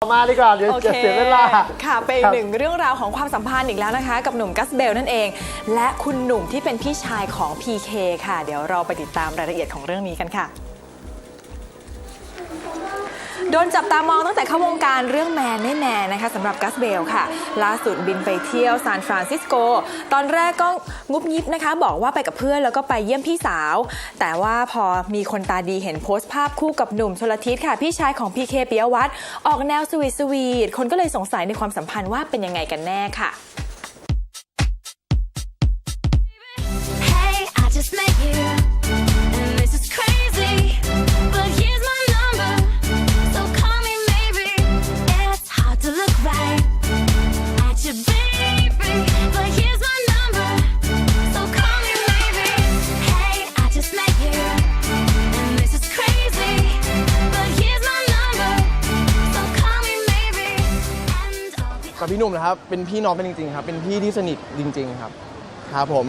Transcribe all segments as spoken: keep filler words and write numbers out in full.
มาดีกว่าเดี๋ยวจะเสียเวลาค่ะเป็นหนึ่งเรื่องราวของความสัมพันธ์อีกแล้วนะคะกับหนุ่มกัสเบลนั่นเองและคุณหนุ่มที่เป็นพี่ชายของ พี เค ค่ะเดี๋ยวเราไปติดตามรายละเอียดของเรื่องนี้กันค่ะโดนจับตามองตั้งแต่เข้าวงการเรื่องแมนไม่แมนนะคะสำหรับกัสเบลค่ะล่าสุดบินไปเที่ยวซานฟรานซิสโกตอนแรกก็งุบยิบนะคะบอกว่าไปกับเพื่อนแล้วก็ไปเยี่ยมพี่สาวแต่ว่าพอมีคนตาดีเห็นโพสต์ภาพคู่กับหนุ่มชลทิศค่ะพี่ชายของ พี เค ปิยวัฒน์ออกแนวสวีทสวีทคนก็เลยสงสัยในความสัมพันธ์ว่าเป็นยังไงกันแน่ค่ะ Hey, I just met you, and this is crazy, but here's my number, so call me maybe. It's hard to look right at your baby, but here's my number, so call me maybe. Hey, I just met you, and this is crazy, but here's my number, so call me maybe. And I'll be กับพี่หนุ่มนะครับเป็นพี่น้องเป็นจริงๆครับเป็นพี่ที่สนิทจริงๆครับครับผม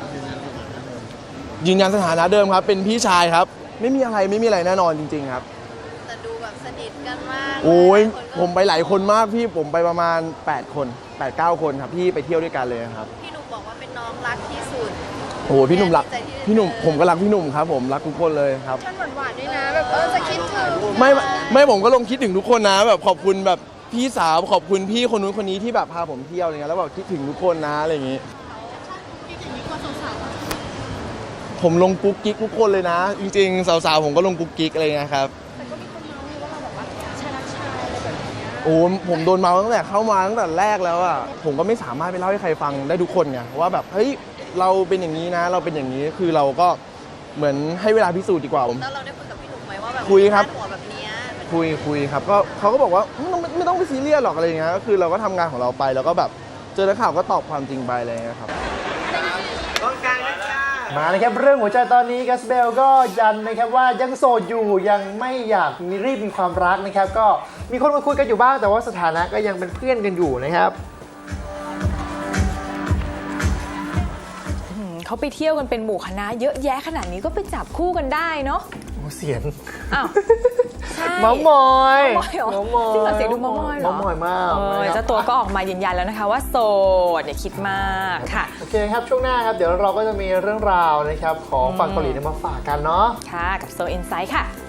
ยืนยันสถานะเดิมครับเป็นพี่ชายครับไม่มีอะไรไม่มีอะไรแน่นอนจริงๆครับแต่ดูแบบสนิทกันมากโอ้ยหลายคนก็ผมไปหลายคนมากพี่ผมไปประมาณแปดคนแปด เก้าคนครับพี่ไปเที่ยวด้วยกันเลยครับพี่หนุ่มบอกว่าเป็นน้องรักที่สุดโอ้พี่หนุ่มรักแม่ดีใจที่พี่หนุ่มผมก็รักพี่หนุ่มครับผมรักทุกคนเลยครับมันหวานๆด้วยนะแบบเออจะคิดถึงไม่ไม่ผมก็ลงคิดถึงทุกคนนะแบบขอบคุณแบบพี่สาวขอบคุณพี่คนนู้นคนนี้ที่แบบพาผมเที่ยวอะไรเงี้ยแล้วแบบคิดถึงทุกคนนะอะไรอย่างงี้ผมลงกุ๊กกิ๊กทุกคนเลยนะ จริงๆสาวๆผมก็ลงกุ๊กกิ๊กอะไรเงี้ยครับแต่ก็มีคนเมาส์ว่าเราแบบว่าชายรักชายอะไรแบบนี้โอ้ผมโดนเมาตั้งแต่เข้ามาตั้งแต่แรกแล้วอะผมก็ไม่สามารถไปเล่าให้ใครฟังได้ทุกคนไงว่าแบบเฮ้ยเราเป็นอย่างนี้นะ เราเป็นอย่างนี้คือเราก็เหมือนให้เวลาพิสูจน์ดีกว่าผมแล้วเราได้คุยกับพี่หนุ่มไหมว่าแบบคุยครับหัวแบบเนี้ยคุยคุยครับก็เขาก็บอกว่าไม่ต้องไม่ต้องไปซีเรียสหรอกอะไรอย่างเงี้ยก็คือเราก็ทำงานของเราไปแล้วก็แบบเจอนักข่าวก็ตอบความจริงไปอะไรอย่างเงี้ยครับมานะครับเรื่องหัวใจตอนนี้กัสเบลก็ยันนะครับว่ายังโสดอยู่ยังไม่อยากมีรีบมีความรักนะครับก็มีคนมาคุยกันอยู่บ้างแต่ว่าสถานะก็ยังเป็นเพื่อนกันอยู่นะครับเขาไปเที่ยวกันเป็นหมู่คณะเยอะแยะขนาดนี้ก็ไปจับคู่กันได้เนาะโอ้เสียงอ้าวใช่เมามอยเมามอยเหรอเมามอยจริงเหรอเสียงดูเมามอยเหรอเมามอยมากเออเจ้าตัวก็ออกมายืนยันแล้วนะคะว่าโสดอย่าคิดมากค่ะโอเคครับช่วงหน้าครับเดี๋ยวเราก็จะมีเรื่องราวนะครับของฝั่งเกาหลีมาฝากกันเนาะค่ะกับโซอินไซด์ค่ะ